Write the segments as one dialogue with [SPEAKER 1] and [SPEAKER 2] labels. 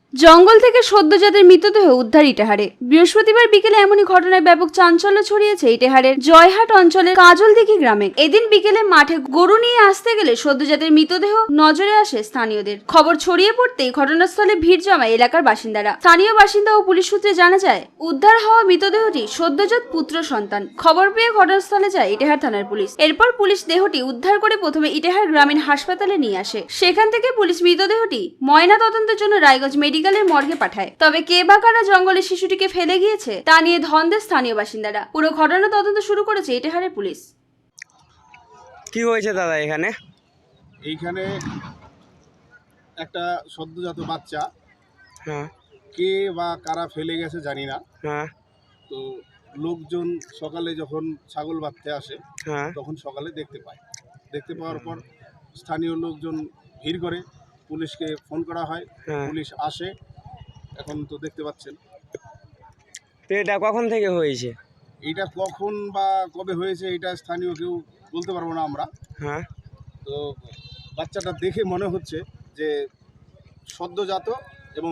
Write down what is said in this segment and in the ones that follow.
[SPEAKER 1] জঙ্গল থেকে সদ্যজাতের মৃতদেহ উদ্ধার ইটাহারে। বৃহস্পতিবার বিকেলে এমনই ঘটনায় ব্যাপক চাঞ্চল্য ছড়িয়েছে ইটাহারের জয়হাট অঞ্চলের কাজলদিঘি গ্রামে। এদিন বিকেলে মাঠে গরু নিয়ে আসতে গেলে সদ্যজাতের মৃতদেহ নজরে আসে স্থানীয়দের। খবর ছড়িয়ে পড়তেই ঘটনাস্থলে ভিড় জমায় এলাকার বাসিন্দারা। স্থানীয় বাসিন্দা ও পুলিশ সূত্রে জানা যায়, উদ্ধার হওয়া মৃতদেহটি সদ্যজাত পুত্র সন্তান। খবর পেয়ে ঘটনাস্থলে যায় ইটাহার থানার পুলিশ। এরপর পুলিশ দেহটি উদ্ধার করে প্রথমে ইটাহার গ্রামীণ হাসপাতালে নিয়ে আসে। সেখান থেকে পুলিশ মৃতদেহটি ময়না তদন্তের জন্য রায়গঞ্জ মেডিকেলের মর্গে পাঠায়। তবে কে বা কারা জঙ্গলে শিশুটিকে ফেলে গিয়েছে তা নিয়ে ধন্দের স্থানীয় বাসিন্দারা। পুরো ঘটনা তদন্ত শুরু করেছে ইটাহারের পুলিশ।
[SPEAKER 2] কি হয়েছে দাদা এখানে?
[SPEAKER 3] এইখানে একটা সদ্যজাত বাচ্চা
[SPEAKER 2] হ্যাঁ
[SPEAKER 3] কে বা কারা ফেলে গেছে জানি না।
[SPEAKER 2] হ্যাঁ
[SPEAKER 3] তো লোকজন সকালে যখন ছাগল বাঁধতে আসে
[SPEAKER 2] হ্যাঁ
[SPEAKER 3] তখন সকালে দেখতে পাওয়ার পর স্থানীয় লোকজন ভিড় করে, পুলিশকে ফোন করা হয়,
[SPEAKER 2] হ্যাঁ।
[SPEAKER 3] পুলিশ আসে। এখন তো দেখতে পাচ্ছেন।
[SPEAKER 2] তো এটা কখন থেকে হয়েছে?
[SPEAKER 3] এইটা কখন বা কবে হয়েছে এটা স্থানীয় কেউ বলতে পারবো না আমরা।
[SPEAKER 2] হ্যাঁ
[SPEAKER 3] তো বাচ্চাটা দেখে মনে হচ্ছে যে সদ্যজাত এবং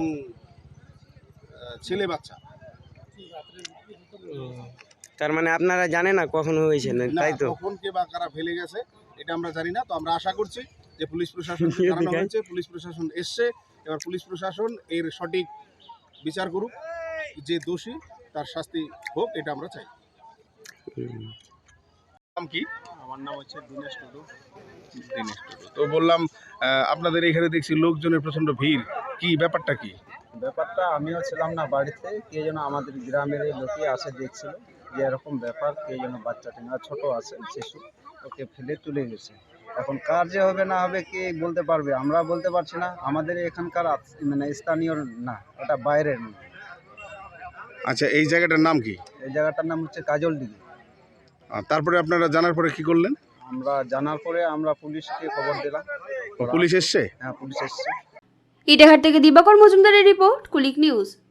[SPEAKER 3] ছেলে বাচ্চা।
[SPEAKER 2] তার মানে আপনারা জানেন না কখন হয়েছে না,
[SPEAKER 3] না,
[SPEAKER 2] তাই তো?
[SPEAKER 3] কখন কে বা কারা ফেলে গেছে এটা আমরা জানি না। তো আমরা আশা করছি যে পুলিশ প্রশাসন জানানো হয়েছে, পুলিশ প্রশাসন এসছে। এবার পুলিশ প্রশাসন এর সঠিক বিচার করুক, যে দোষী তার শাস্তি হোক, এটা আমরা চাই। নাম কি?
[SPEAKER 4] আমার নাম হচ্ছে দীনেশ টুডু।
[SPEAKER 3] তো বললাম আপনাদের এখানে দেখছি লোকজনের প্রচন্ড ভিড়, কি ব্যাপারটা কি?
[SPEAKER 4] ব্যাপারটা আমিও ছিলাম না বাড়িতে, কে যেন আমাদের গ্রামের এই লোকে আসে দেখছিল যে এরকম ব্যাপার, কে যেন বাচ্চাটি না ছোট আছে শিশু, ওকে ফেলে চলে গেছে। এখন কার যে হবে না হবে কে বলতে পারবে, আমরা বলতে পারছি না। আমাদের এখানকার মানে স্থানীয় না, এটা বাইরের না।
[SPEAKER 3] আচ্ছা, এই জায়গাটার নাম কি?
[SPEAKER 4] এই জায়গাটার নাম হচ্ছে কাজলদিঘি।
[SPEAKER 3] তারপরে আপনারা জানার পরে কি করলেন?
[SPEAKER 4] আমরা জানার পরে আমরা পুলিশকে খবর দিলাম।
[SPEAKER 3] পুলিশ এসছে?
[SPEAKER 4] হ্যাঁ, পুলিশ এসছে।
[SPEAKER 1] ইটাহার থেকে দিবাকর মজুমদারের রিপোর্ট, কুলিক নিউজ।